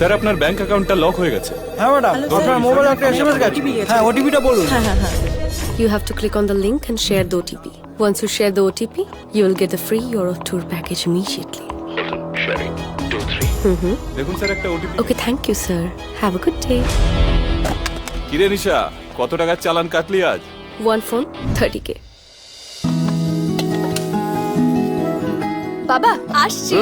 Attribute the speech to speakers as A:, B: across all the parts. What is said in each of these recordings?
A: Sir আপনার bank অ্যাকাউন্টটা lock হয়ে গেছে।
B: হ্যাঁ ম্যাডাম, আপনার মোবাইলে একটা এসএমএস গেছে। হ্যাঁ, ওটিপিটা বলুন।
C: You have to click on the link and share the OTP. Once you share the OTP, you will get the free Euro tour package immediately.
A: দেখুন স্যার একটা OTP.
C: Okay, thank you, sir. Have a good day.
A: কিরে নিশা, কত টাকার চালান কাটলি আজ?
C: One phone, 30K.
D: বাবা আসছি।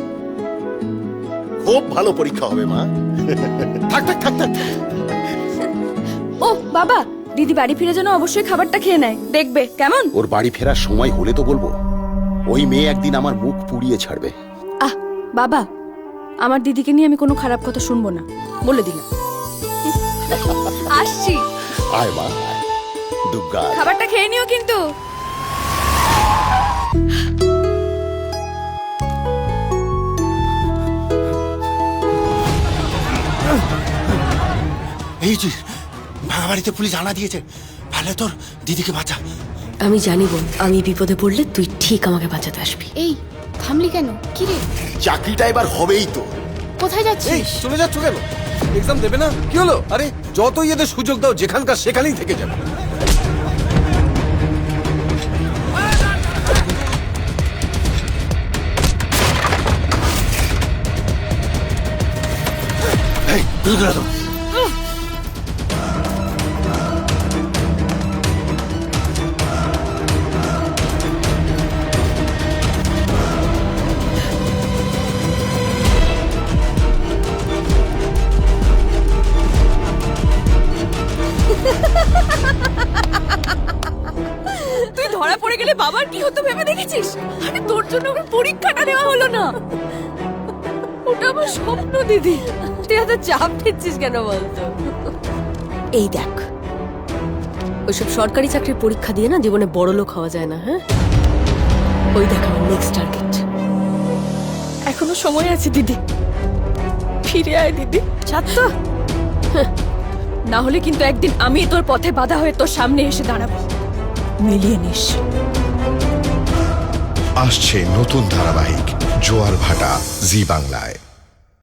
E: খুব ভালো পরীক্ষা হবে মা। থাক থাক থাক থাক।
D: ও বাবা, দিদি বাড়ি ফিরে যেন অবশ্যই খাবারটা খেয়ে নেয়, দেখবে কেমন?
E: ওর বাড়ি ফেরার সময় হলে তো বলবো। ওই মেয়ে একদিন আমার মুখ পুড়িয়ে ছাড়বে।
D: আহ বাবা, আমার দিদিকে নিয়ে আমি কোনো খারাপ কথা শুনবো না, বলে দিলাম। আসছি।
E: আয় মা আয়। দুর্গা
D: খাবারটা খেয়ে নিও কিন্তু।
E: এই যে ভাঙা বাড়িতে পুলিশ আনা দিয়েছে, ভালো তোর দিদিকে বাঁচা।
C: আমি জানি বোন, আমি বিপদে পড়লে তুই ঠিক আমাকে বাঁচাতে আসবি।
D: এই থামলি কেন? কি রে,
E: চাকরিটা এবার হবেই তো।
D: কোথায় যাচ্ছিস?
B: চলে যাচ্ছ কেন? এক্সাম দেবে না? কি হলো? আরে যতই এদের সুযোগ দাও, যেখানকার সেখানেই থেকে যাবে।
E: এই দুর্গা তো
D: তুই ধরা পড়ে গেলে বাবার কি হতো ভেবে দেখেছিস? আরে তোর জন্য আমার পরীক্ষাটা নেওয়া হলো না। ওটা আমার স্বপ্ন দিদি। তুই এত চাপ দিচ্ছিস কেন বলতো?
C: এই দেখ, ওইসব সরকারি চাকরির পরীক্ষা দিয়ে না জীবনে বড় লোক হওয়া যায় না। হ্যাঁ, ওই দেখ আমার নেক্সট টার্গেট।
D: এখনো সময় আছে দিদি, ফিরে আয় দিদি। ছাত্র, না হলে কিন্তু একদিন আমি তোর পথে বাধা হয়ে তোর সামনে এসে দাঁড়াবো। মিলিয়ে নিস।
F: আসছে নতুন ধারাবাহিক জোয়ার ভাটা জি বাংলায়।